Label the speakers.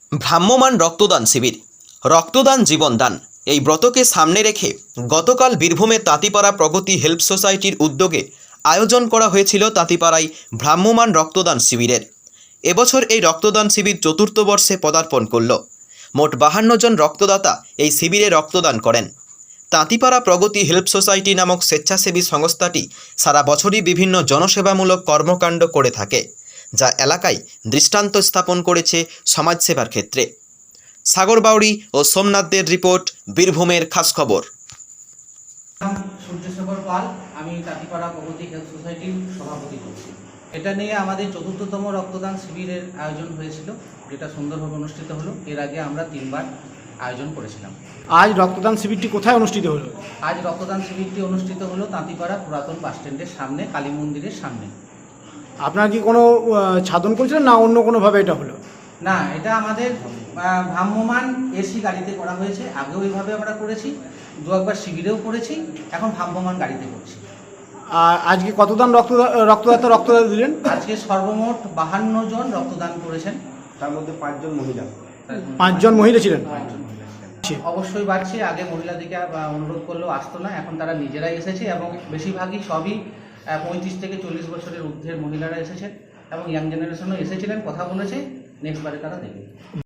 Speaker 1: ভ্রাম্যমাণ রক্তদান শিবির রক্তদান জীবনদান এই ব্রতকে সামনে রেখে গতকাল বীরভূমে তাঁতিপাড়া প্রগতি হেল্প সোসাইটির উদ্যোগে আয়োজন করা হয়েছিল তাঁতিপাড়ায় ভ্রাম্যমাণ রক্তদান শিবিরের। এবছর এই রক্তদান শিবির চতুর্থ বর্ষে পদার্পণ করল। মোট 52 জন রক্তদাতা এই শিবিরে রক্তদান করেন। তাঁতিপাড়া প্রগতি হেল্প সোসাইটি নামক স্বেচ্ছাসেবী সংস্থাটি সারা বছরই বিভিন্ন জনসেবামূলক কর্মকাণ্ড করে থাকে, যা এলাকায় দৃষ্টান্ত স্থাপন করেছে সমাজসেবার ক্ষেত্রে। সাগর বাউরি ও সোমনাথদের রিপোর্ট, বীরভূমের খাস খবর।
Speaker 2: সূর্যশেখর পাল, আমি তাঁতিপাড়া প্রগতি হেলথ সোসাইটির সভাপতি করছি। এটা নিয়ে আমাদের চতুর্থতম রক্তদান শিবিরের আয়োজন হয়েছিল, যেটা সুন্দরভাবে অনুষ্ঠিত হলো। এর আগে আমরা 3বার আয়োজন করেছিলাম।
Speaker 3: আজ রক্তদান শিবিরটি কোথায় অনুষ্ঠিত হলো?
Speaker 2: আজ রক্তদান শিবিরটি অনুষ্ঠিত হলো তাঁতিপাড়া পুরাতন বাস স্ট্যান্ডের সামনে, কালী মন্দিরের সামনে।
Speaker 3: আপনারা কি কোনো সাধন করেছিলেন না অন্য কোনোভাবে এটা হলো?
Speaker 2: না, এটা আমাদের ভ্রাম্যমাণ এসি গাড়িতে করা হয়েছে। আগেও এইভাবে আমরা করেছি, 2-একবার শিবিরেও করেছি, এখন ভ্রাম্যমাণ গাড়িতে করছি।
Speaker 3: আর আজকে কতদান রক্তদাতা দিলেন?
Speaker 2: আজকে সর্বমোট 52 জন রক্তদান করেছেন,
Speaker 4: তার মধ্যে 5 জন মহিলা।
Speaker 3: 5 জন মহিলা ছিলেন।
Speaker 2: অবশ্যই বাড়ছে। আগে মহিলাদেরকে অনুরোধ করলেও আসতো না, এখন তারা নিজেরাই এসেছে এবং বেশিরভাগই সবই 35 থেকে 40 বছরের ঊর্ধ্বের মহিলারা এসেছেন এবং ইয়াং জেনারেশনও এসেছিলেন, কথা বলেছে। নেক্সট বারে তারা দেবে।